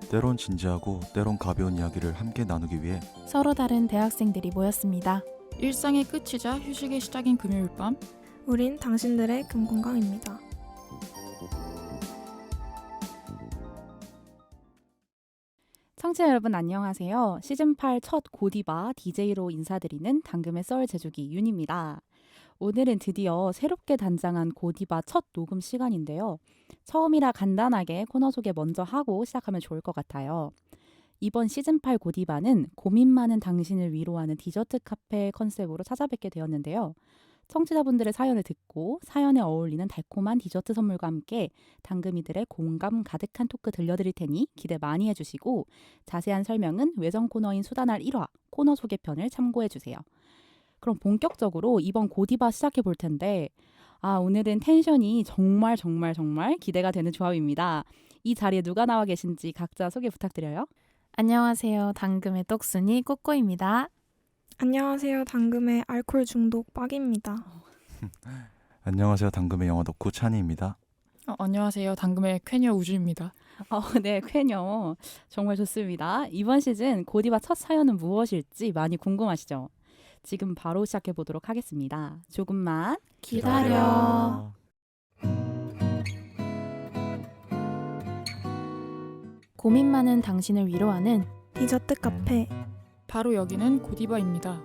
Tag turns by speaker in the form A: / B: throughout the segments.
A: 때론 진지하고 때론 가벼운 이야기를 함께 나누기 위해
B: 서로 다른 대학생들이 모였습니다.
C: 일상의 끝이자 휴식의 시작인 금요일 밤,
D: 우린 당신들의 금공강입니다.
B: 청취자 여러분 안녕하세요. 시즌8 첫 고디바 DJ로 인사드리는 당금의 썰 제조기 윤입니다. 오늘은 드디어 새롭게 단장한 고디바 첫 녹음 시간인데요. 처음이라 간단하게 코너 소개 먼저 하고 시작하면 좋을 것 같아요. 이번 시즌8 고디바는 고민 많은 당신을 위로하는 디저트 카페 컨셉으로 찾아뵙게 되었는데요. 청취자분들의 사연을 듣고 사연에 어울리는 달콤한 디저트 선물과 함께 당금이들의 공감 가득한 토크 들려드릴 테니 기대 많이 해주시고 자세한 설명은 외전 코너인 수다날 1화 코너 소개편을 참고해주세요. 그럼 본격적으로 이번 고디바 시작해 볼 텐데 오늘은 텐션이 정말 기대가 되는 조합입니다. 이 자리에 누가 나와 계신지 각자 소개 부탁드려요.
E: 안녕하세요. 당금의 똑순이 꼬꼬입니다.
D: 안녕하세요. 당금의 알코올 중독 빡입니다.
A: 안녕하세요. 당금의 영화 덕후 찬이입니다.
C: 안녕하세요. 당금의 쾌녀 우주입니다.
B: 네, 쾌녀 정말 좋습니다. 이번 시즌 고디바 첫 사연은 무엇일지 많이 궁금하시죠? 지금 바로 시작해 보도록 하겠습니다. 조금만
E: 기다려. 고민 많은 당신을 위로하는
D: 디저트 카페.
C: 바로 여기는 고디바입니다.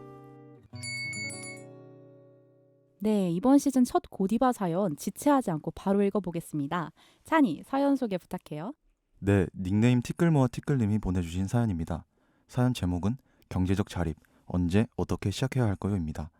B: 네, 이번 시즌 첫 고디바 사연 지체하지 않고 바로 읽어보겠습니다. 찬이, 사연 소개 부탁해요.
A: 네, 닉네임 티끌모아 티끌님이 보내주신 사연입니다. 사연 제목은 경제적 자립, 언제 어떻게 시작해야 할까요?입니다.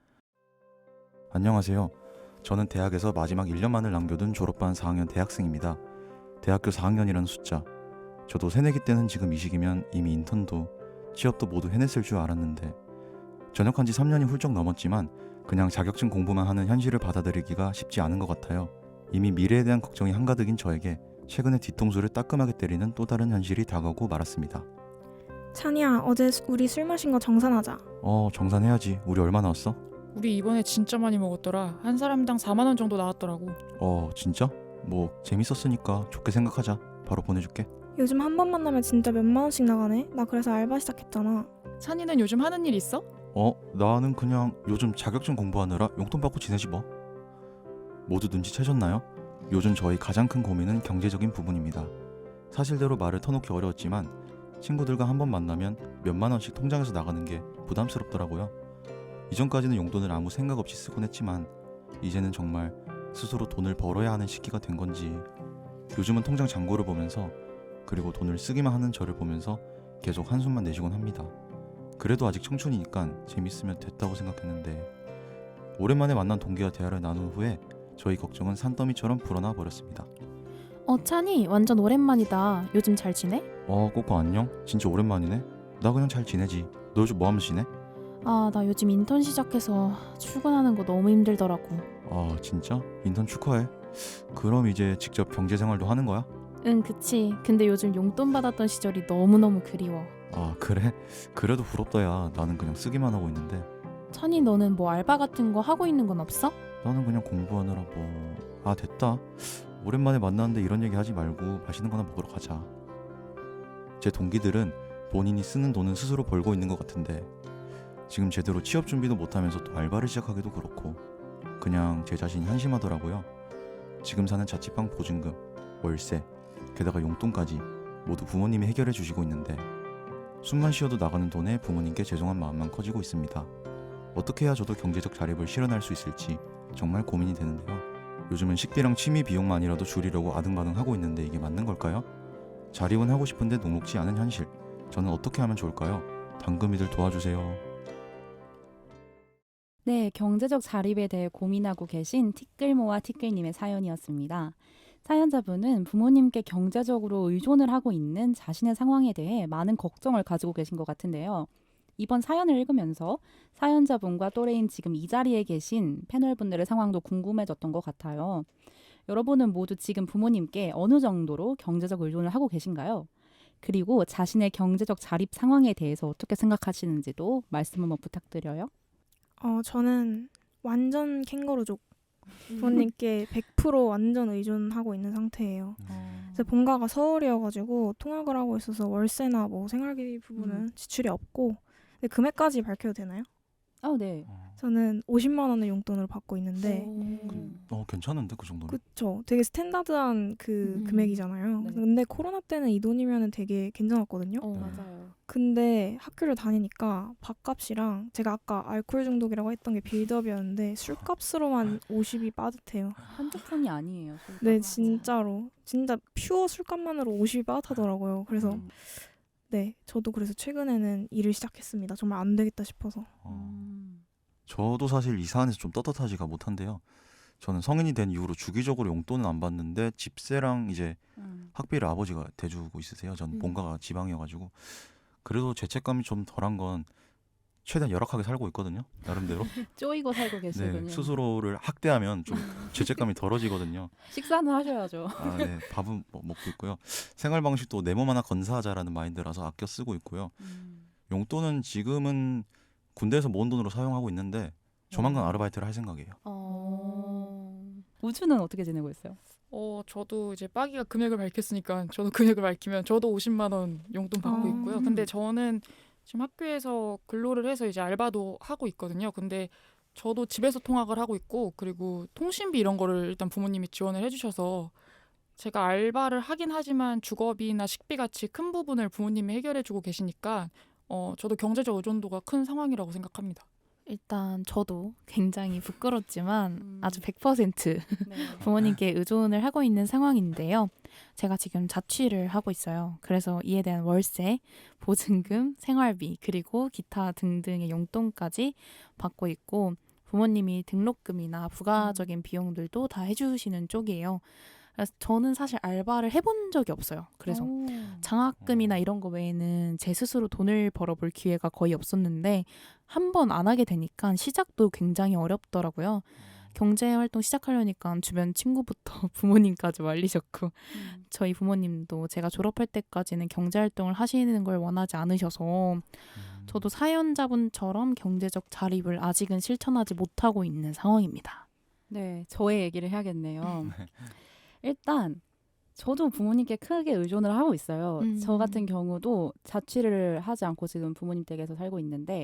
A: 안녕하세요. 저는 대학에서 마지막 1년만을 남겨둔 졸업반 4학년 대학생입니다. 대학교 4학년이라는 숫자. 저도 새내기 때는 지금 이 시기면 이미 인턴도 취업도 모두 해냈을 줄 알았는데 전역한 지 3년이 훌쩍 넘었지만 그냥 자격증 공부만 하는 현실을 받아들이기가 쉽지 않은 것 같아요. 이미 미래에 대한 걱정이 한가득인 저에게 최근에 뒤통수를 따끔하게 때리는 또 다른 현실이 다가오고 말았습니다.
D: 찬이야, 어제 우리 술 마신 거 정산하자.
A: 정산해야지. 우리 얼마 나왔어?
C: 우리 이번에 진짜 많이 먹었더라. 한 사람당 4만 원 정도 나왔더라고.
A: 진짜? 뭐 재밌었으니까 좋게 생각하자. 바로 보내줄게.
D: 요즘 한 번 만나면 진짜 몇만 원씩 나가네. 나 그래서 알바 시작했잖아.
C: 찬이는 요즘 하는 일 있어?
A: 나는 그냥 요즘 자격증 공부하느라 용돈 받고 지내지 뭐. 모두 눈치채셨나요? 요즘 저희 가장 큰 고민은 경제적인 부분입니다. 사실대로 말을 터놓기 어려웠지만 친구들과 한 번 만나면 몇만 원씩 통장에서 나가는 게 부담스럽더라고요. 이전까지는 용돈을 아무 생각 없이 쓰곤 했지만 이제는 정말 스스로 돈을 벌어야 하는 시기가 된 건지 요즘은 통장 잔고를 보면서 그리고 돈을 쓰기만 하는 저를 보면서 계속 한숨만 내쉬곤 합니다. 그래도 아직 청춘이니까 재밌으면 됐다고 생각했는데 오랜만에 만난 동기와 대화를 나눈 후에 저희 걱정은 산더미처럼 불어나 버렸습니다.
E: 찬이 완전 오랜만이다. 요즘 잘 지내?
A: 꼬꼬 안녕? 진짜 오랜만이네? 나 그냥 잘 지내지. 너 요즘 뭐 하면서 지내?
E: 나 요즘 인턴 시작해서 출근하는 거 너무 힘들더라고.
A: 진짜? 인턴 축하해. 그럼 이제 직접 경제생활도 하는 거야?
E: 응, 그치. 근데 요즘 용돈 받았던 시절이 너무너무 그리워.
A: 그래? 그래도 부럽다 야. 나는 그냥 쓰기만 하고 있는데.
E: 찬이 너는 뭐 알바 같은 거 하고 있는 건 없어?
A: 나는 그냥 공부하느라 뭐... 됐다. 오랜만에 만났는데 이런 얘기 하지 말고 맛있는 거나 먹으러 가자. 제 동기들은 본인이 쓰는 돈은 스스로 벌고 있는 것 같은데 지금 제대로 취업 준비도 못하면서 또 알바를 시작하기도 그렇고 그냥 제 자신이 한심하더라고요. 지금 사는 자취방 보증금, 월세, 게다가 용돈까지 모두 부모님이 해결해 주시고 있는데 숨만 쉬어도 나가는 돈에 부모님께 죄송한 마음만 커지고 있습니다. 어떻게 해야 저도 경제적 자립을 실현할 수 있을지 정말 고민이 되는데요. 요즘은 식비랑 취미 비용만이라도 줄이려고 아등바등하고 있는데 이게 맞는 걸까요? 자립은 하고 싶은데 녹록지 않은 현실. 저는 어떻게 하면 좋을까요? 당금이들 도와주세요.
B: 네, 경제적 자립에 대해 고민하고 계신 티끌모아 티끌님의 사연이었습니다. 사연자분은 부모님께 경제적으로 의존을 하고 있는 자신의 상황에 대해 많은 걱정을 가지고 계신 것 같은데요. 이번 사연을 읽으면서 사연자분과 또래인 지금 이 자리에 계신 패널분들의 상황도 궁금해졌던 것 같아요. 여러분은 모두 지금 부모님께 어느 정도로 경제적 의존을 하고 계신가요? 그리고 자신의 경제적 자립 상황에 대해서 어떻게 생각하시는지도 말씀 한번 부탁드려요.
D: 저는 완전 캥거루족. 부모님께 100% 완전 의존하고 있는 상태예요. 그래서 본가가 서울이어가지고 통학을 하고 있어서 월세나 뭐 생활비 부분은 지출이 없고. 근데 금액까지 밝혀도 되나요?
B: 네.
D: 저는 50만 원을 용돈으로 받고 있는데
A: 괜찮은데 그 정도면.
D: 그쵸. 되게 스탠다드한 그 금액이잖아요.
B: 네.
D: 근데 코로나 때는 이 돈이면 되게 괜찮았거든요.
B: 맞아요.
D: 근데 학교를 다니니까 밥값이랑 제가 아까 알코올 중독이라고 했던 게 빌드업이었는데 술값으로만 50이 빠듯해요.
B: 한두 푼이 아니에요. 술값.
D: 네, 진짜로. 진짜 퓨어 술값만으로 50이 빠듯하더라고요. 그래서 네, 저도 그래서 최근에는 일을 시작했습니다. 정말 안 되겠다 싶어서.
A: 저도 사실 이 사안에서 좀 떳떳하지가 못한데요. 저는 성인이 된 이후로 주기적으로 용돈은 안 받는데 집세랑 이제 학비를 아버지가 대주고 있으세요. 전 본가가 지방이어가지고. 그래도 죄책감이 좀 덜한 건 최대한 열악하게 살고 있거든요. 나름대로.
B: 쪼이고 살고 계시군요.
A: 네, 스스로를 학대하면 좀 죄책감이 덜어지거든요.
B: 식사는 하셔야죠.
A: 네, 밥은 먹고 있고요. 생활 방식도 내 몸 하나 건사하자라는 마인드라서 아껴 쓰고 있고요. 용돈은 지금은 군대에서 모은 돈으로 사용하고 있는데 조만간 아르바이트를 할 생각이에요.
B: 우주는 어떻게 지내고 있어요?
C: 저도 이제 빠기가 금액을 밝혔으니까 저도 금액을 밝히면 저도 50만 원 용돈 받고 있고요. 근데 저는 지금 학교에서 근로를 해서 이제 알바도 하고 있거든요. 근데 저도 집에서 통학을 하고 있고 그리고 통신비 이런 거를 일단 부모님이 지원을 해주셔서 제가 알바를 하긴 하지만 주거비나 식비 같이 큰 부분을 부모님이 해결해주고 계시니까 저도 경제적 의존도가 큰 상황이라고 생각합니다.
E: 일단 저도 굉장히 부끄럽지만 아주 100%
B: 네.
E: 부모님께 의존을 하고 있는 상황인데요. 제가 지금 자취를 하고 있어요. 그래서 이에 대한 월세, 보증금, 생활비, 그리고 기타 등등의 용돈까지 받고 있고 부모님이 등록금이나 부가적인 비용들도 다 해주시는 쪽이에요. 그래서 저는 사실 알바를 해본 적이 없어요. 그래서 장학금이나 이런 거 외에는 제 스스로 돈을 벌어볼 기회가 거의 없었는데 한 번 안 하게 되니까 시작도 굉장히 어렵더라고요. 경제활동 시작하려니까 주변 친구부터 부모님까지 말리셨고 저희 부모님도 제가 졸업할 때까지는 경제활동을 하시는 걸 원하지 않으셔서 저도 사연자분처럼 경제적 자립을 아직은 실천하지 못하고 있는 상황입니다.
B: 네, 저의 얘기를 해야겠네요. 일단 저도 부모님께 크게 의존을 하고 있어요. 저 같은 경우도 자취를 하지 않고 지금 부모님 댁에서 살고 있는데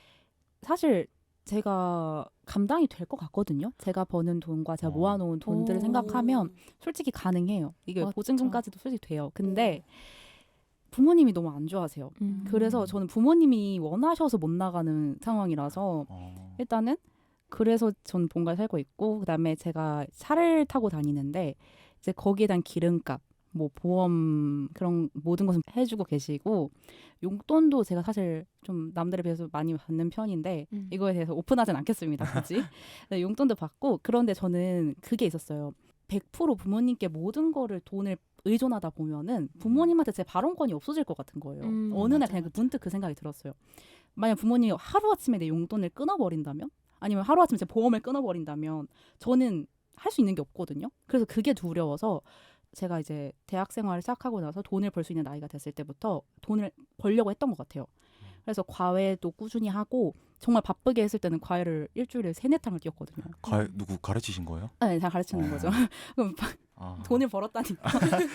B: 사실 제가 감당이 될 것 같거든요. 제가 버는 돈과 제가 모아놓은 돈들을 생각하면 솔직히 가능해요. 이게
E: 맞죠.
B: 보증금까지도 솔직히 돼요. 근데 부모님이 너무 안 좋아하세요. 그래서 저는 부모님이 원하셔서 못 나가는 상황이라서 일단은 그래서 전 본가에 살고 있고 그다음에 제가 차를 타고 다니는데 이제 거기에 대한 기름값, 뭐 보험 그런 모든 것을 해주고 계시고 용돈도 제가 사실 좀 남들에 비해서 많이 받는 편인데 이거에 대해서 오픈하진 않겠습니다. 굳이. 네, 용돈도 받고 그런데 저는 그게 있었어요. 100% 부모님께 모든 거를 돈을 의존하다 보면은 부모님한테 제 발언권이 없어질 것 같은 거예요. 어느 날 그냥 문득 그 생각이 들었어요. 만약 부모님이 하루아침에 내 용돈을 끊어버린다면 아니면 하루아침에 제 보험을 끊어버린다면 저는 할 수 있는 게 없거든요. 그래서 그게 두려워서 제가 이제 대학 생활을 시작하고 나서 돈을 벌 수 있는 나이가 됐을 때부터 돈을 벌려고 했던 것 같아요. 그래서 과외도 꾸준히 하고 정말 바쁘게 했을 때는 과외를 일주일에 3-4탕을 뛰었거든요.
A: 과외 누구 가르치신 거예요?
B: 네, 다 가르치는 거죠. 그럼 돈을 벌었다니까.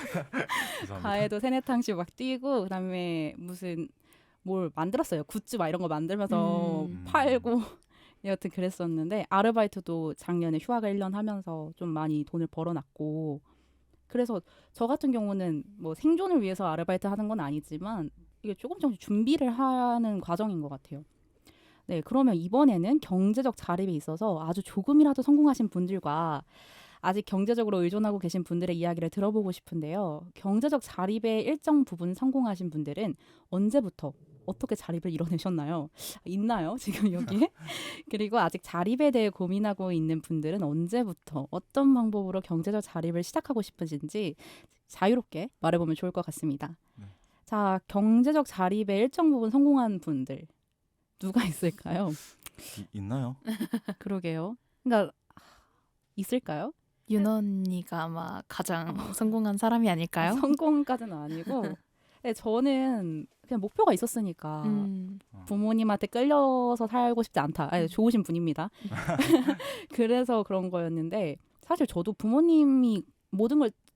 B: 과외도 3-4탕씩 막 뛰고 그다음에 무슨 뭘 만들었어요. 굿즈 막 이런 거 만들면서 팔고 여튼 그랬었는데 아르바이트도 작년에 휴학을 1년 하면서 좀 많이 돈을 벌어놨고 그래서 저 같은 경우는 뭐 생존을 위해서 아르바이트 하는 건 아니지만 이게 조금씩 준비를 하는 과정인 것 같아요. 네, 그러면 이번에는 경제적 자립에 있어서 아주 조금이라도 성공하신 분들과 아직 경제적으로 의존하고 계신 분들의 이야기를 들어보고 싶은데요. 경제적 자립의 일정 부분 성공하신 분들은 언제부터 어떻게 자립을 이뤄내셨나요? 있나요? 지금 여기에? 그리고 아직 자립에 대해 고민하고 있는 분들은 언제부터 어떤 방법으로 경제적 자립을 시작하고 싶으신지 자유롭게 말해보면 좋을 것 같습니다. 자, 경제적 자립의 일정 부분 성공한 분들 누가 있을까요?
A: 있나요?
B: 그러게요. 그러니까 있을까요?
E: 윤 언니가 아마 가장 성공한 사람이 아닐까요?
B: 성공까지는 아니고 네, 저는 그냥 목표가 있었으니까 부모님한테 끌려서 살고 싶지 않다. 아니, 좋으신 분입니다. 그래서 그런 거였는데 사실 저도 부모님이 모든 걸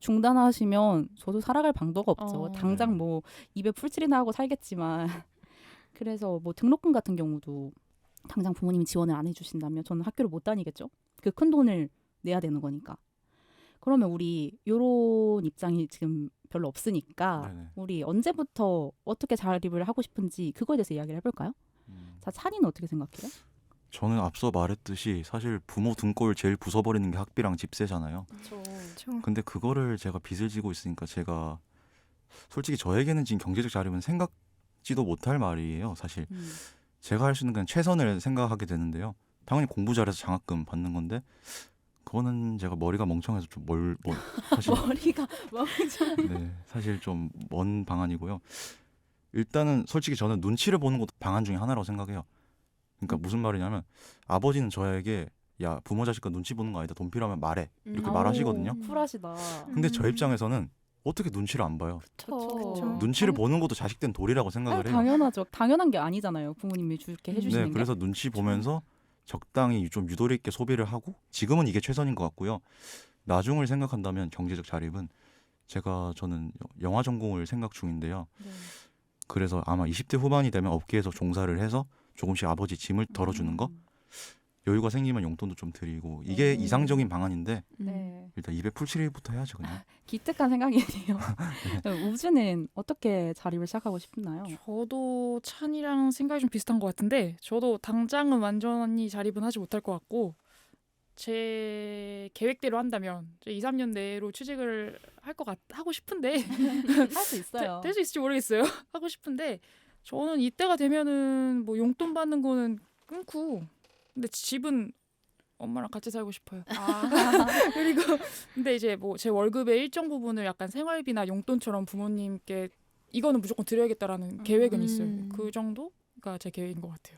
B: 중단하시면 저도 살아갈 방도가 없죠.
E: 어.
B: 당장 뭐 입에 풀칠이나 하고 살겠지만 그래서 뭐 등록금 같은 경우도 당장 부모님이 지원을 안 해주신다면 저는 학교를 못 다니겠죠. 그 큰 돈을 내야 되는 거니까. 그러면 우리 요런 입장이 지금 별로 없으니까
A: 네네.
B: 우리 언제부터 어떻게 자립을 하고 싶은지 그거에 대해서 이야기를 해볼까요? 자, 찬이는 어떻게 생각해요?
A: 저는 앞서 말했듯이 사실 부모 등골 제일 부숴버리는 게 학비랑 집세잖아요.
C: 그렇죠.
D: 그렇죠.
A: 근데 그거를 제가 빚을 지고 있으니까 제가 솔직히 저에게는 지금 경제적 자립은 생각지도 못할 말이에요. 사실 제가 할 수 있는 그냥 최선을 생각하게 되는데요. 당연히 공부 잘해서 장학금 받는 건데 그거는 제가 머리가 멍청해서 좀 사실
B: 머리가 멍청.
A: 네, 사실 좀 먼 방안이고요. 일단은 솔직히 저는 눈치를 보는 것도 방안 중에 하나라고 생각해요. 그러니까 무슨 말이냐면 아버지는 저에게 야 부모 자식 거 눈치 보는 거 아니다. 돈 필요하면 말해 이렇게 말하시거든요.
B: 쿨하시다.
A: 근데 저 입장에서는 어떻게 눈치를 안 봐요.
D: 그쵸.
A: 눈치를 보는 것도 자식된 도리라고 생각을 해요.
B: 당연하죠. 당연한 게 아니잖아요. 부모님이 주게 해주시는
A: 네,
B: 게.
A: 그래서 눈치 보면서 적당히 좀 유도리 있게 소비를 하고 지금은 이게 최선인 것 같고요. 나중을 생각한다면 경제적 자립은 저는 영화 전공을 생각 중인데요.
B: 네.
A: 그래서 아마 20대 후반이 되면 업계에서 종사를 해서 조금씩 아버지 짐을 덜어주는 거 여유가 생기면 용돈도 좀 드리고 이게 이상적인 방안인데
B: 네.
A: 일단 입에 풀칠이부터 해야죠 그냥.
B: 기특한 생각이네요. 우주는 어떻게 자립을 시작하고 싶나요?
C: 저도 찬이랑 생각이 좀 비슷한 것 같은데 저도 당장은 완전히 자립은 하지 못할 것 같고 제 계획대로 한다면 2, 3년 내로 취직을 하고 싶은데
B: 할 수 있어요.
C: 될 수 있을지 모르겠어요. 하고 싶은데 저는 이때가 되면은 뭐 용돈 받는 거는 끊고 근데 집은 엄마랑 같이 살고 싶어요. 그리고 근데 이제 뭐 제 월급의 일정 부분을 약간 생활비나 용돈처럼 부모님께 이거는 무조건 드려야겠다라는 계획은 있어요. 그 정도가 제 계획인 것 같아요.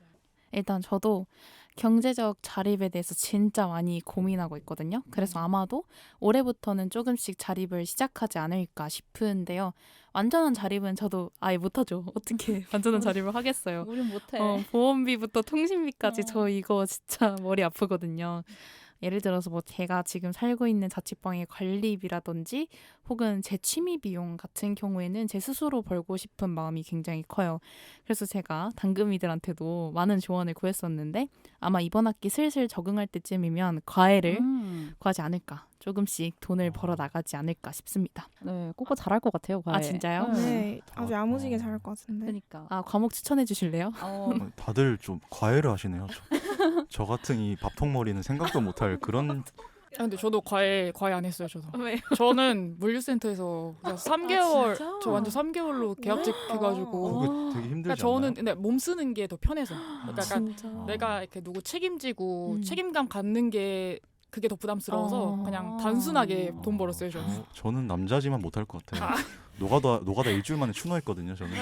E: 일단 저도 경제적 자립에 대해서 진짜 많이 고민하고 있거든요. 그래서 아마도 올해부터는 조금씩 자립을 시작하지 않을까 싶은데요. 완전한 자립은 저도 아예 못하죠. 어떻게 완전한 자립을 하겠어요.
B: 우린 못해.
E: 보험비부터 통신비까지
B: 어.
E: 저 이거 진짜 머리 아프거든요. 예를 들어서 뭐 제가 지금 살고 있는 자취방의 관리비라든지 혹은 제 취미 비용 같은 경우에는 제 스스로 벌고 싶은 마음이 굉장히 커요. 그래서 제가 당금이들한테도 많은 조언을 구했었는데 아마 이번 학기 슬슬 적응할 때쯤이면 과외를 구하지 않을까. 조금씩 돈을 벌어 나가지 않을까 싶습니다.
B: 네, 꼬꼬 잘할 것 같아요. 과외.
E: 아, 진짜요?
D: 네, 아주 야무지게 잘할 것 같은데.
B: 그러니까.
E: 아, 과목 추천해 주실래요?
A: 다들 좀 과외를 하시네요. 저 같은 이 밥통머리는 생각도 못할 그런.
C: 근데 저도 과외 안 했어요. 저도.
E: 왜요?
C: 저는 물류센터에서 그냥 3개월
E: 진짜?
C: 저 완전 3개월로 계약직 해가지고
A: 그게 되게 힘들지
C: 그러니까 저는
A: 않나요?
C: 근데 몸 쓰는 게 더 편해서 그러니까 약간
E: 진짜.
C: 내가 이렇게 누구 책임지고
E: 음.
C: 책임감 갖는 게 그게 더 부담스러워서 그냥 단순하게 돈 벌었어요. 저는.
A: 저는 남자지만 못할 것 같아요. 노가다 일주일 만에 추노했거든요. 저는.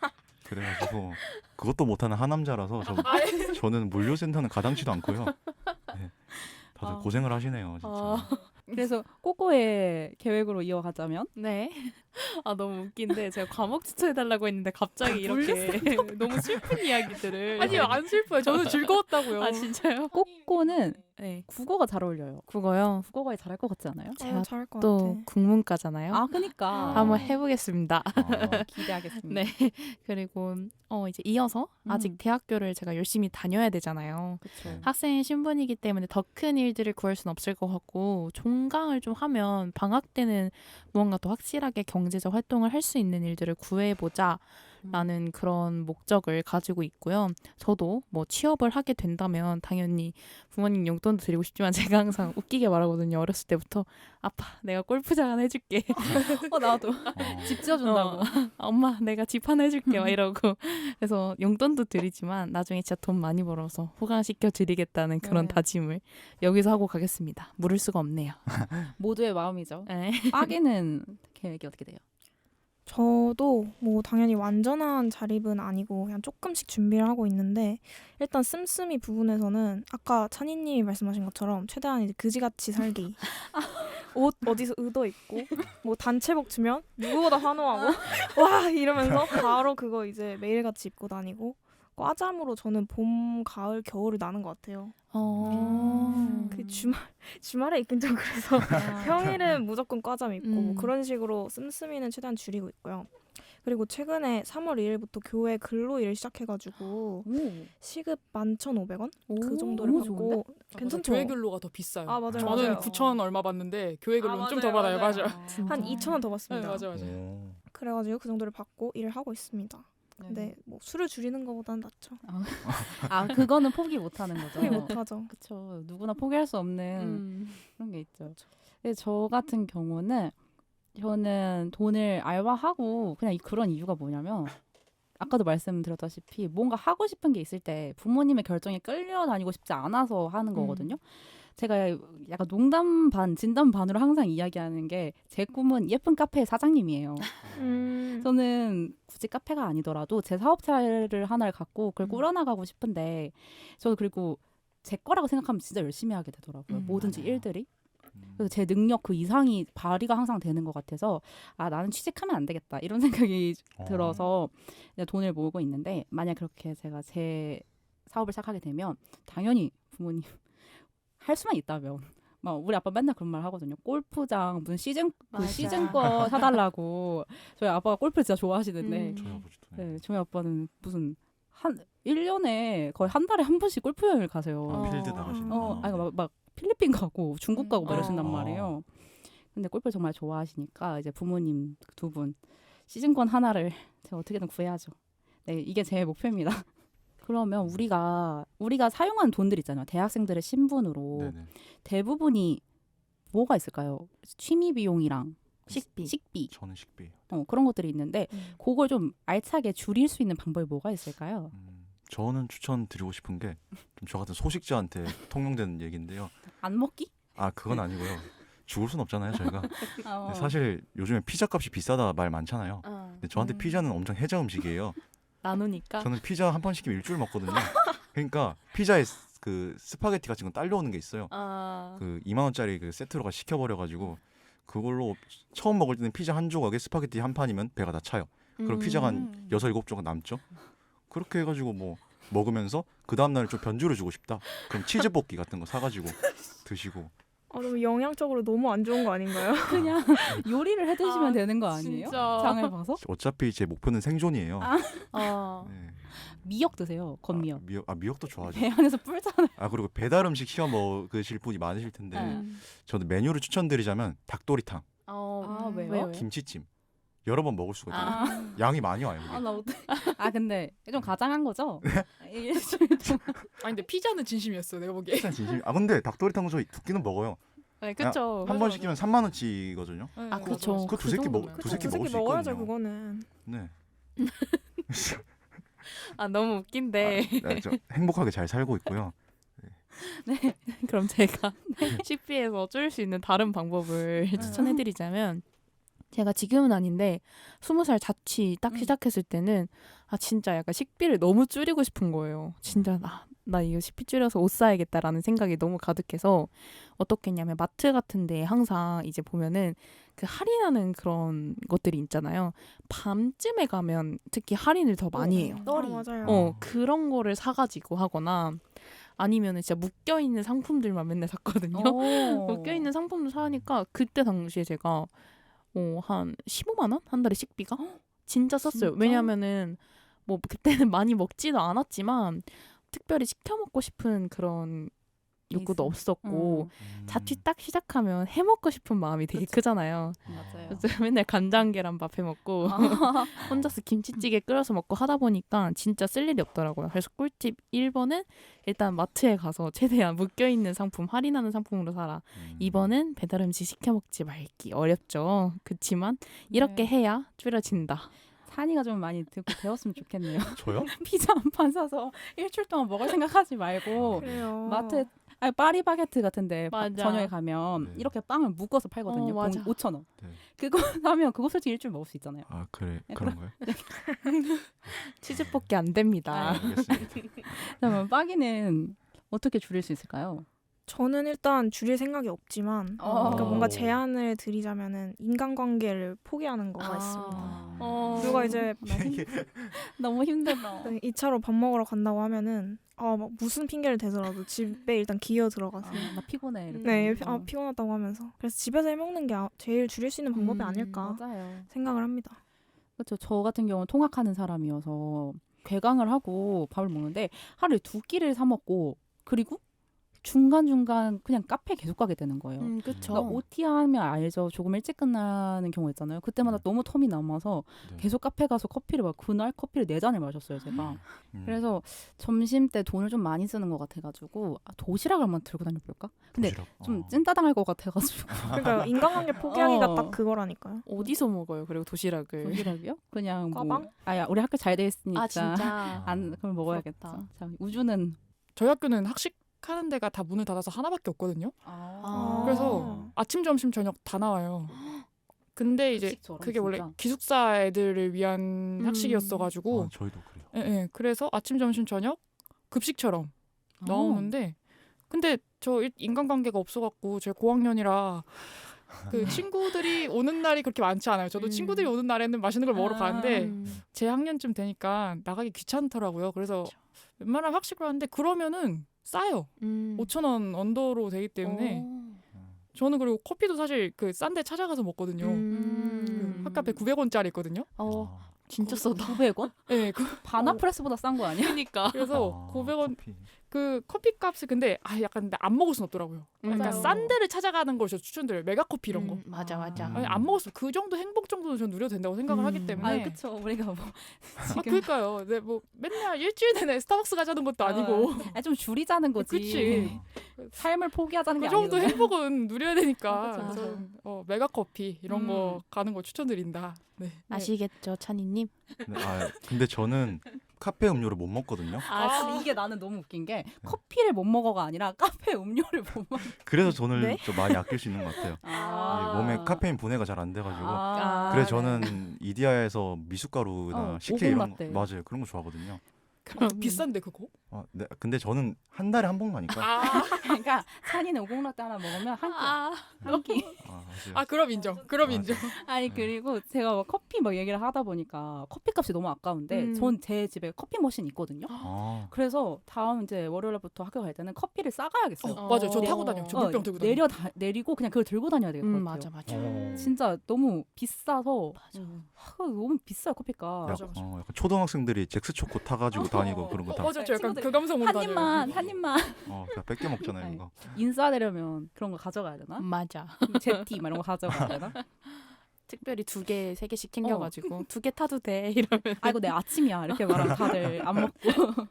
A: 그래가지고 그것도 못하는 하남자라서 저는 물류센터는 가당치도 않고요. 네, 다들 고생을 하시네요. 진짜.
B: 그래서 꼬꼬의 계획으로 이어가자면
E: 네. 아, 너무 웃긴데 제가 과목 추천해달라고 했는데 갑자기 이렇게 너무 슬픈 이야기들을.
C: 아니요 안 슬퍼요. 저는 즐거웠다고요.
E: 아, 진짜요?
B: 꼬꼬는
E: 네.
B: 국어가 잘 어울려요.
E: 국어요.
B: 국어가 잘할 것 같지 않아요?
E: 제가
D: 잘할 것
E: 또
D: 같아.
E: 국문과잖아요.
B: 아, 그니까.
E: 한번 해보겠습니다.
B: 기대하겠습니다.
E: 네. 그리고 이제 이어서 아직 대학교를 제가 열심히 다녀야 되잖아요.
B: 그렇죠.
E: 학생 신분이기 때문에 더 큰 일들을 구할 수는 없을 것 같고 종강을 좀 하면 방학 때는 무언가 더 확실하게 경제적 활동을 할 수 있는 일들을 구해보자 라는 그런 목적을 가지고 있고요. 저도 뭐 취업을 하게 된다면 당연히 부모님 용돈도 드리고 싶지만 제가 항상 웃기게 말하거든요. 어렸을 때부터 아빠 내가 골프장 하나 해줄게.
B: 나도 집 지어준다고.
E: 엄마 내가 집 하나 해줄게 막 이러고 그래서 용돈도 드리지만 나중에 진짜 돈 많이 벌어서 호강시켜 드리겠다는 그런
B: 네.
E: 다짐을 여기서 하고 가겠습니다. 물을 수가 없네요.
B: 모두의 마음이죠.
E: 네.
B: 빠기는 계획이 어떻게 돼요?
D: 저도 뭐 당연히 완전한 자립은 아니고 그냥 조금씩 준비를 하고 있는데 일단 씀씀이 부분에서는 아까 찬이님이 말씀하신 것처럼 최대한 이제 그지같이 살기. 옷 어디서 의도 있고 뭐 단체복 주면 누구보다 환호하고 와 이러면서 바로 그거 이제 매일같이 입고 다니고 과잠으로 저는 봄, 가을, 겨울을 나는 것 같아요. 그 주말에 있긴 좀 그래서 평일은 무조건 과잠 입고 뭐 그런 식으로 씀씀이는 최대한 줄이고 있고요. 그리고 최근에 3월 2일부터 교회 근로 일을 시작해가지고 시급 11,500원? 그 정도를
B: 너무
D: 받고
B: 좋은데?
D: 괜찮죠?
C: 교회 근로가 더 비싸요.
D: 아, 맞아요,
C: 저는
D: 맞아요.
C: 9,000 얼마 받는데 교회 근로는 좀 더
D: 맞아요,
C: 받아요. 맞아요.
D: 한 2,000원 더
C: 네,
D: 받습니다.
C: 맞아요.
A: 오.
D: 그래가지고 그 정도를 받고 일을 하고 있습니다. 근데 뭐 술을 줄이는 것보다는 낫죠.
B: 아 그거는 포기 못하는 거죠.
D: 포기 못하죠.
B: 그쵸. 누구나 포기할 수 없는 그런 게 있죠. 근데 저 같은 경우는 저는 돈을 알바하고 그냥 그런 이유가 뭐냐면 아까도 말씀드렸다시피 뭔가 하고 싶은 게 있을 때 부모님의 결정에 끌려다니고 싶지 않아서 하는 거거든요. 제가 약간 농담 반 진담 반으로 항상 이야기하는 게 제 꿈은 예쁜 카페 사장님이에요. 저는 굳이 카페가 아니더라도 제 사업체를 하나를 갖고 그걸 꾸려나가고 싶은데 저도 그리고 제 거라고 생각하면 진짜 열심히 하게 되더라고요. 뭐든지
A: 맞아요.
B: 일들이. 그래서 제 능력 그 이상이 발휘가 항상 되는 것 같아서 아 나는 취직하면 안 되겠다 이런 생각이 들어서 이제 돈을 모으고 있는데 만약 그렇게 제가 제 사업을 시작하게 되면 당연히 부모님 할 수만 있다면 막 우리 아빠 맨날 그런 말 하거든요. 골프장 무슨 시즌
E: 맞아.
B: 시즌 거 사달라고. 저희 아빠가 골프 진짜 좋아하시는데
A: 저희 아버지도.
B: 네, 저희 아빠는 무슨 한 1년에 거의 한 달에 한 번씩 골프 여행을 가세요.
A: 아, 필드 나가시는.
B: 아니 막 필리핀 가고 중국 가고 막 이러신단
A: 어.
B: 말이에요. 근데 골프 정말 좋아하시니까 이제 부모님 두 분 시즌권 하나를 제가 어떻게든 구해야죠. 네, 이게 제 목표입니다. 그러면 우리가 사용한 돈들 있잖아요. 대학생들의 신분으로
A: 네네.
B: 대부분이 뭐가 있을까요? 취미 비용이랑 식비
A: 저는 식비.
B: 그런 것들이 있는데 그걸 좀 알차게 줄일 수 있는 방법이 뭐가 있을까요?
A: 저는 추천드리고 싶은 게 좀 저 같은 소식자한테 통용되는 얘기인데요.
B: 안 먹기?
A: 아 그건 아니고요. 죽을 순 없잖아요 저희가.
B: 어.
A: 근데 사실 요즘에 피자 값이 비싸다 말 많잖아요. 근데 저한테 피자는 엄청 해자 음식이에요.
E: 나누니까.
A: 저는 피자 한 판 시키면 일주일 먹거든요. 그러니까 피자에 그 스파게티 같은 거 딸려오는 게 있어요. 그 2만 원짜리 그 세트로가 시켜버려가지고 그걸로 처음 먹을 때는 피자 한 조각에 스파게티 한 판이면 배가 다 차요. 그럼 피자가 한 6, 7조각 남죠. 그렇게 해가지고 뭐 먹으면서 그 다음날 좀 변주를 주고 싶다. 그럼 치즈 볶기 같은 거 사가지고 드시고.
D: 너무 영양적으로 너무 안 좋은 거 아닌가요?
B: 그냥 요리를 해 드시면
E: 아,
B: 되는 거 아니에요?
E: 진짜.
B: 장을 봐서?
A: 어차피 제 목표는 생존이에요. 네.
B: 미역 드세요. 건미역.
A: 미역도 좋아하죠.
B: 배 안에서 뿔잖아요.
A: 그리고 배달 음식 시켜 먹으실 분이 많으실 텐데 저는 메뉴를 추천드리자면 닭도리탕,
B: 왜요?
A: 김치찜 여러 번 먹을 수가 있어요. 양이 많이 와요. 이게.
B: 나 어떡해. 근데 좀 가장한 거죠?
C: 아니 근데 피자는 진심이었어 내가 보기에.
A: 진짜 진심. 근데 닭도리탕도 저희 두 끼는 먹어요.
E: 네, 그쵸.
A: 한 번
C: 맞아.
A: 시키면 3만 원치거든요.
C: 네,
E: 아,
C: 맞아,
E: 그쵸.
C: 맞아.
A: 그 두세 끼
E: 정도면.
A: 두세 끼
D: 두세
A: 먹을
D: 끼
A: 수
D: 먹어야죠
A: 있거든요.
D: 그거는.
A: 네.
E: 너무 웃긴데.
A: 저 행복하게 잘 살고 있고요.
E: 그럼 제가 식비에서 줄일 수 있는 다른 방법을 추천해드리자면 제가 지금은 아닌데 20살 자취 딱 시작했을 때는 진짜 약간 식비를 너무 줄이고 싶은 거예요. 진짜 나 이거 식비 줄여서 옷 사야겠다라는 생각이 너무 가득해서 어떻게 했냐면 마트 같은 데 항상 이제 보면은 그 할인하는 그런 것들이 있잖아요. 밤쯤에 가면 특히 할인을 더 많이 해요.
D: 맞아요.
E: 그런 거를 사가지고 하거나 아니면은 진짜 묶여있는 상품들만 맨날 샀거든요. 묶여있는 상품을 사니까 그때 당시에 제가 한 15만 원? 한 달에 식비가? 진짜 썼어요.
B: 진짜?
E: 왜냐면은 뭐 그때는 많이 먹지도 않았지만 특별히 시켜 먹고 싶은 그런 욕구도 없었고 자취 딱 시작하면 해 먹고 싶은 마음이 되게 크잖아요.
B: 맞아요.
E: 그래서 맨날 간장 계란밥 해 먹고 혼자서 김치찌개 끓여서 먹고 하다 보니까 진짜 쓸 일이 없더라고요. 그래서 꿀팁 1번은 일단 마트에 가서 최대한 묶여있는 상품, 할인하는 상품으로 사라. 2번은 배달 음식 시켜 먹지 말기. 어렵죠. 그치만 이렇게 해야 줄여진다.
B: 산이가 좀 많이 듣고 배웠으면 좋겠네요.
A: 저요?
B: 피자 한 판 사서 일주일 동안 먹을 생각하지 말고
D: 그래요.
B: 마트에 파리바게트 같은데
E: 맞아.
B: 저녁에 가면
A: 네.
B: 이렇게 빵을 묶어서 팔거든요.
E: 맞아.
B: 5,000원.
A: 네.
B: 그거 사면 그거 솔직히 일주일 먹을 수 있잖아요.
A: 그래
B: 네,
A: 그런가요?
E: 치즈 볶기 안 됩니다.
A: 알겠습니다.
B: 그러면 빠기는 어떻게 줄일 수 있을까요?
D: 저는 일단 줄일 생각이 없지만 그러니까 뭔가 제안을 드리자면은 인간관계를 포기하는 거가 있습니다. 누가 이제
B: 너무 힘들어.
D: 2차로 밥 먹으러 간다고 하면은 막 무슨 핑계를 대더라도 집에 일단 기어 들어가세요.
B: 나 피곤해. 이렇게.
D: 네, 피곤하다고 하면서 그래서 집에서 해먹는 게 제일 줄일 수 있는 방법이 아닐까
B: 맞아요.
D: 생각을 합니다.
B: 그렇죠. 저 같은 경우는 통학하는 사람이어서 괴강을 하고 밥을 먹는데 하루에 2끼를 사 먹고 그리고 중간중간 그냥 카페 계속 가게 되는 거예요.
E: 그쵸.
B: 그러니까 OT 하면 알죠. 조금 일찍 끝나는 경우 있잖아요. 그때마다 너무 텀이 남아서
A: 네.
B: 계속 카페 가서 커피를 그날 커피를 4잔을 마셨어요, 제가.
A: 음.
B: 그래서 점심 때 돈을 좀 많이 쓰는 것 같아가지고 도시락을 한번 들고 다녀볼까? 근데
A: 도시락.
B: 좀 찐따당할 것 같아가지고
D: 그러니까 인간관계 포기하기가
B: 어.
D: 딱 그거라니까요.
E: 어디서 먹어요? 그리고 도시락을.
B: 도시락이요? 그냥 뭐
D: 과방?
B: 아야 우리 학교 잘 돼 있으니까
E: 아 진짜.
B: 안 그럼 먹어야겠다.
E: 부럽다.
B: 자, 우주는
C: 저희 학교는 학식하는 데가 다 문을 닫아서 하나밖에 없거든요.
E: 아.
C: 그래서 아침, 점심, 저녁 다 나와요. 근데 이제
B: 급식처럼
C: 그게 원래
B: 진짜.
C: 기숙사 애들을 위한 학식이었어가지고
A: 저희도 그래요.
C: 예, 예. 그래서 아침, 점심, 저녁 급식처럼 나오는데 근데 저 인간관계가 없어갖고 제가 고학년이라 그 친구들이 오는 날이 그렇게 많지 않아요. 저도 친구들이 오는 날에는 맛있는 걸 먹으러 가는데 제 학년쯤 되니까 나가기 귀찮더라고요. 그래서 웬만하면 학식을 하는데 그러면은 싸요. 5,000원 언더로 되기 때문에 저는 그리고 커피도 사실 그 싼 데 찾아가서 먹거든요. 그 핫카페 900원짜리 있거든요.
E: 진짜 싸다.
B: 900원?
C: 네,
B: 바나프레스보다 싼 거 아니야?
E: 그러니까.
C: 그래서 900원
A: 커피.
C: 그 커피 값이 근데 약간 근데 안 먹을 순 없더라고요. 그러니까
B: 맞아요.
C: 싼 데를 찾아가는 걸 저 추천드려요. 메가커피 이런 거.
E: 맞아.
C: 아니, 안 먹었어. 그 정도 행복 정도는 전 누려도 된다고 생각을 하기 때문에.
B: 아, 그쵸. 우리가 뭐
C: 아, 그러니까요. 네, 뭐 맨날 일주일 내내 스타벅스 가자는 것도 아니고.
B: 좀 줄이자는 거지.
C: 그치.
B: 삶을 포기하자는
C: 그
B: 게
C: 정도
B: 아니잖아.
C: 행복은 누려야 되니까.
B: 맞아.
C: 그래서 메가커피 이런 거 가는 거 추천드린다. 네.
E: 아시겠죠, 찬이님?
A: 네, 근데 저는 카페 음료를 못 먹거든요.
B: 근데 이게 나는 너무 웃긴 게 커피를 못 먹어가 아니라 카페 음료를 못 먹어.
A: 그래서 돈을
D: 네?
A: 좀 많이 아낄 수 있는 것 같아요. 이게 몸에 카페인 분해가 잘 안 돼가지고. 그래서 저는 이디야에서 미숫가루나 식혜 이런
B: 오곡라떼.
A: 거 맞아요. 그런 거 좋아하거든요.
C: 비싼데 그거?
A: 네, 근데 저는 한 달에 한 번 가니까.
B: 그러니까 찬이는 오곡라떼 하나 먹으면 한 끼.
A: 맞아요.
C: 그럼 인정. 그럼
A: 맞아.
C: 인정.
B: 아니 그리고 제가 막 커피 막 얘기를 하다 보니까 커피값이 너무 아까운데 전 제 집에 커피 머신 있거든요. 그래서 다음 이제 월요일부터 학교 갈 때는 커피를 싸가야겠어요.
C: 맞아요. 저
E: 네.
C: 타고 다녀. 저 물병 들고 다녀.
B: 내리고 그냥 그걸 들고 다녀야 되겠것 같아요.
E: 맞아.
B: 진짜 너무 비싸서 너무 비싸요 커피가.
C: 맞아.
A: 약간 초등학생들이 잭스초코 타가지고 다니고 그런 거 다.
C: 맞아. 저 약간
B: 친구들이
C: 그 감성으로
B: 한
C: 다녀요.
B: 입만 한 입만
A: 그냥 뺏겨 먹잖아요, 이거.
B: 인싸되려면 그런 거 가져가야 되나?
E: 맞아.
B: 제티 막 이런 거 가져가야 되나?
E: 특별히 2개, 3개씩 챙겨가지고 2개 타도 돼 이러면.
B: 아이고 내 아침이야 이렇게 말하면 다들 안 먹고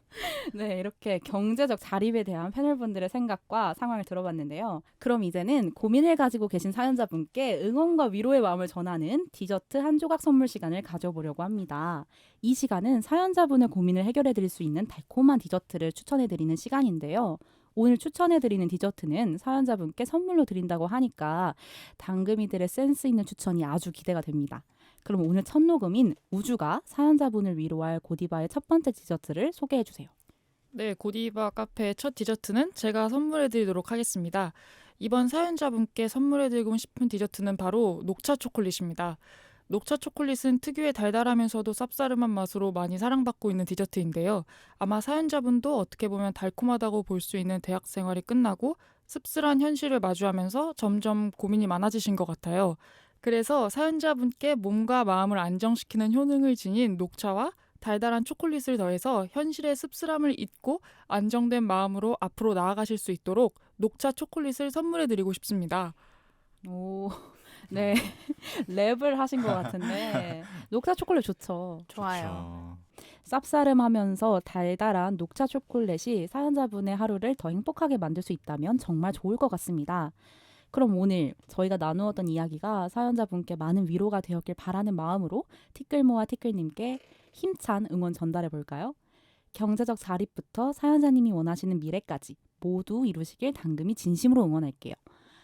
B: 네 이렇게 경제적 자립에 대한 패널분들의 생각과 상황을 들어봤는데요. 그럼 이제는 고민을 가지고 계신 사연자분께 응원과 위로의 마음을 전하는 디저트 한 조각 선물 시간을 가져보려고 합니다. 이 시간은 사연자분의 고민을 해결해드릴 수 있는 달콤한 디저트를 추천해드리는 시간인데요. 오늘 추천해드리는 디저트는 사연자분께 선물로 드린다고 하니까 당금이들의 센스 있는 추천이 아주 기대가 됩니다. 그럼 오늘 첫 녹음인 우주가 사연자분을 위로할 고디바의 첫 번째 디저트를 소개해주세요.
C: 네, 고디바 카페의 첫 디저트는 제가 선물해드리도록 하겠습니다. 이번 사연자분께 선물해드리고 싶은 디저트는 바로 녹차 초콜릿입니다. 녹차 초콜릿은 특유의 달달하면서도 쌉싸름한 맛으로 많이 사랑받고 있는 디저트인데요. 아마 사연자분도 어떻게 보면 달콤하다고 볼 수 있는 대학 생활이 끝나고 씁쓸한 현실을 마주하면서 점점 고민이 많아지신 것 같아요. 그래서 사연자분께 몸과 마음을 안정시키는 효능을 지닌 녹차와 달달한 초콜릿을 더해서 현실의 씁쓸함을 잊고 안정된 마음으로 앞으로 나아가실 수 있도록 녹차 초콜릿을 선물해드리고 싶습니다.
B: 오, 네 랩을 하신 것 같은데 녹차 초콜릿 좋죠.
E: 좋아요.
B: 쌉싸름하면서 달달한 녹차 초콜릿이 사연자분의 하루를 더 행복하게 만들 수 있다면 정말 좋을 것 같습니다. 그럼 오늘 저희가 나누었던 이야기가 사연자분께 많은 위로가 되었길 바라는 마음으로 티끌모아 티끌님께 힘찬 응원 전달해 볼까요? 경제적 자립부터 사연자님이 원하시는 미래까지 모두 이루시길 당금이 진심으로 응원할게요.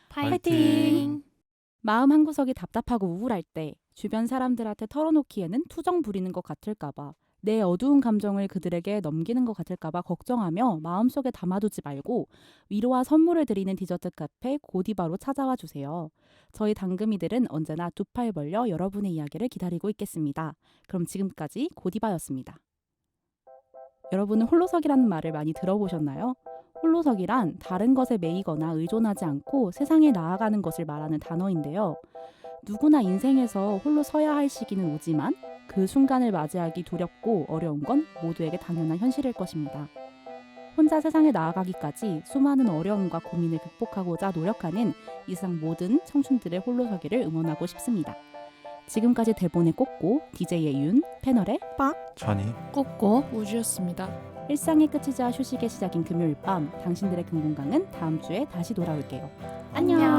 E: 파이팅!
B: 마음 한구석이 답답하고 우울할 때 주변 사람들한테 털어놓기에는 투정 부리는 것 같을까봐 내 어두운 감정을 그들에게 넘기는 것 같을까봐 걱정하며 마음속에 담아두지 말고 위로와 선물을 드리는 디저트 카페 고디바로 찾아와 주세요. 저희 당금이들은 언제나 두 팔 벌려 여러분의 이야기를 기다리고 있겠습니다. 그럼 지금까지 고디바였습니다. 여러분은 홀로서기라는 말을 많이 들어보셨나요? 홀로서기란 다른 것에 매이거나 의존하지 않고 세상에 나아가는 것을 말하는 단어인데요. 누구나 인생에서 홀로 서야 할 시기는 오지만 그 순간을 맞이하기 두렵고 어려운 건 모두에게 당연한 현실일 것입니다. 혼자 세상에 나아가기까지 수많은 어려움과 고민을 극복하고자 노력하는 이 세상 모든 청춘들의 홀로서기를 응원하고 싶습니다. 지금까지 대본에 꽂고 DJ의 윤, 패널의
A: 찬이
E: 꾹꾹
C: 우주였습니다.
B: 일상의 끝이자 휴식의 시작인 금요일 밤 당신들의 금공강은 다음 주에 다시 돌아올게요. 안녕.